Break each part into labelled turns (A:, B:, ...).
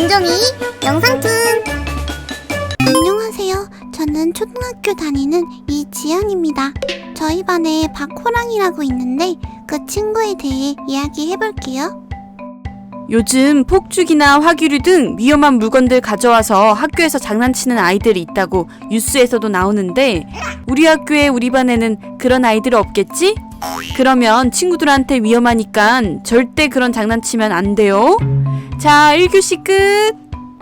A: 김종이 영상툰.
B: 안녕하세요. 저는 초등학교 다니는 이지연입니다. 저희 반에 박호랑이라고 있는데 그 친구에 대해 이야기해볼게요.
C: 요즘 폭죽이나 화기류 등 위험한 물건들 가져와서 학교에서 장난치는 아이들이 있다고 뉴스에서도 나오는데 우리 학교에 우리 반에는 그런 아이들 없겠지? 그러면 친구들한테 위험하니까 절대 그런 장난치면 안 돼요. 자, 1교시 끝!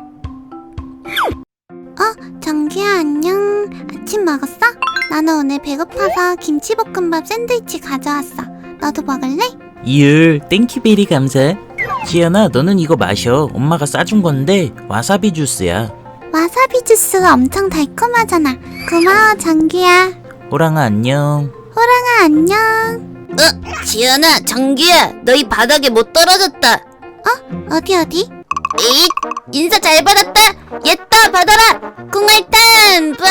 B: 정기야 안녕. 아침 먹었어? 나는 오늘 배고파서 김치볶음밥 샌드위치 가져왔어. 너도 먹을래?
D: 이을 땡큐베리 감사. 지연아, 너는 이거 마셔. 엄마가 싸준 건데 와사비 주스야.
B: 와사비 주스가 엄청 달콤하잖아. 고마워 정기야.
D: 호랑아 안녕.
B: 호랑아 안녕.
A: 지연아, 정규야, 너희 바닥에 못 떨어졌다.
B: 어디?
A: 에잇, 인사 잘 받았다. 얘따 받아라. 콩알탄. 빠.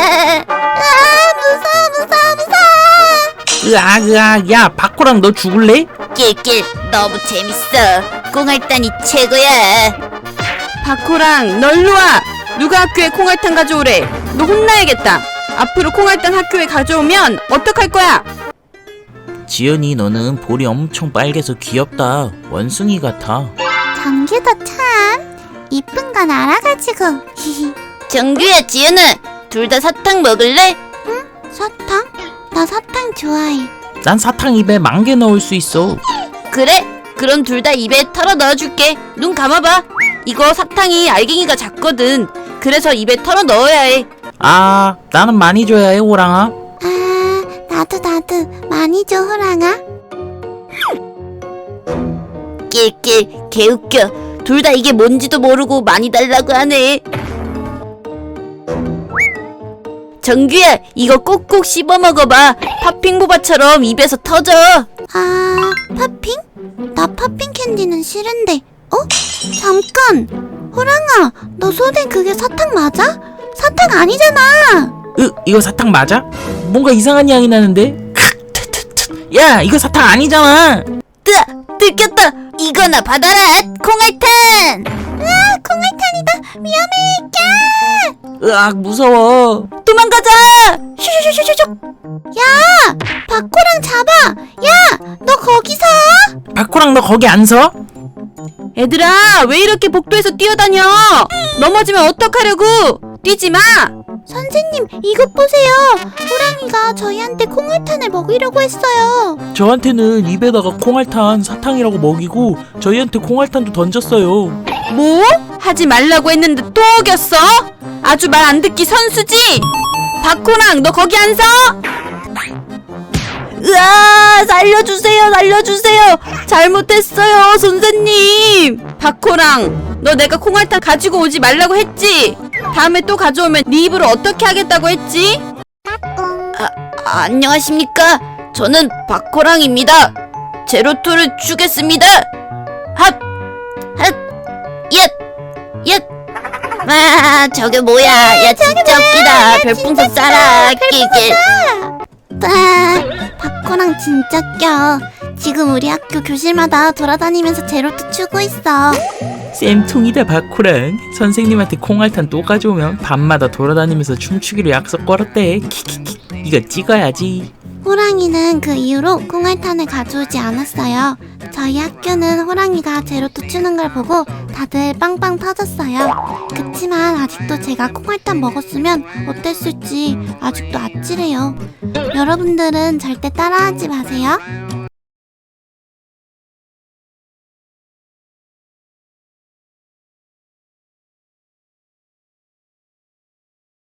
B: 무서워.
D: 으악, 야 박호랑 너 죽을래?
A: 낄낄, 너무 재밌어. 콩알탄이 최고야.
C: 박호랑, 널로 와! 누가 학교에 콩알탄 가져오래? 너 혼나야겠다. 앞으로 콩알탄 학교에 가져오면 어떡할 거야?
D: 지연이, 너는 볼이 엄청 빨개서 귀엽다. 원숭이 같아.
B: 정기도 참 이쁜 건 알아가지고.
A: 정규야, 지연아, 둘 다 사탕 먹을래?
B: 사탕? 나 사탕 좋아해.
D: 난 사탕 입에 10,000개 넣을 수 있어.
A: 그래? 그럼 둘 다 입에 털어 넣어줄게. 눈 감아봐. 이거 사탕이 알갱이가 작거든. 그래서 입에 털어 넣어야 해.
D: 아, 나는 많이 줘야 해 호랑아.
B: 나도 많이 줘 호랑아.
A: 낄낄, 개웃겨. 둘 다 이게 뭔지도 모르고 많이 달라고 하네. 정규야, 이거 꼭꼭 씹어 먹어봐. 팥핑 보바처럼 입에서 터져.
B: 팥핑? 나 팥핑 캔디는 싫은데. 잠깐. 호랑아, 너 손에 그게 사탕 맞아? 사탕 아니잖아.
D: 이거 사탕 맞아? 뭔가 이상한 향이 나는데? 야, 이거 사탕 아니잖아.
A: 들켰다. 이거나 받아라. 콩알탄.
B: 콩알탄이다. 위험해.
D: 으악, 무서워.
A: 도망가자. 슈슈슈슈슈.
B: 박호랑 잡아. 야, 너 거기서.
D: 박호랑 너 거기 안 서?
C: 얘들아, 왜 이렇게 복도에서 뛰어다녀? 넘어지면 어떡하려고? 뛰지 마!
B: 선생님, 이것 보세요. 호랑이가 저희한테 콩알탄을 먹이려고 했어요.
D: 저한테는 입에다가 콩알탄 사탕이라고 먹이고 저희한테 콩알탄도 던졌어요.
C: 뭐? 하지 말라고 했는데 또 어겼어? 아주 말 안 듣기 선수지? 박호랑, 너 거기 안 서? 으아! 살려주세요! 잘못했어요, 선생님! 박호랑, 너 내가 콩알탄 가지고 오지 말라고 했지? 다음에 또 가져오면 네 입으로 어떻게 하겠다고 했지?
A: 안녕하십니까? 저는 박호랑입니다. 제로투를 주겠습니다. 핫! 얏! 저게 뭐야? 야, 진짜 웃기다. 별풍선 쏴라. 낄낄.
B: 박호랑 진짜 껴. 지금 우리 학교 교실마다 돌아다니면서 제로투 추고 있어.
D: 쌤통이다 박호랑. 선생님한테 콩알탄 또 가져오면 밤마다 돌아다니면서 춤추기로 약속 걸었대. 키키키. 이거 찍어야지.
B: 호랑이는 그 이후로 콩알탄을 가져오지 않았어요. 저희 학교는 호랑이가 제로투 추는 걸 보고 다들 빵빵 터졌어요. 그치만 아직도 제가 콩알탄 먹었으면 어땠을지 아직도 아찔해요. 여러분들은 절대 따라하지 마세요.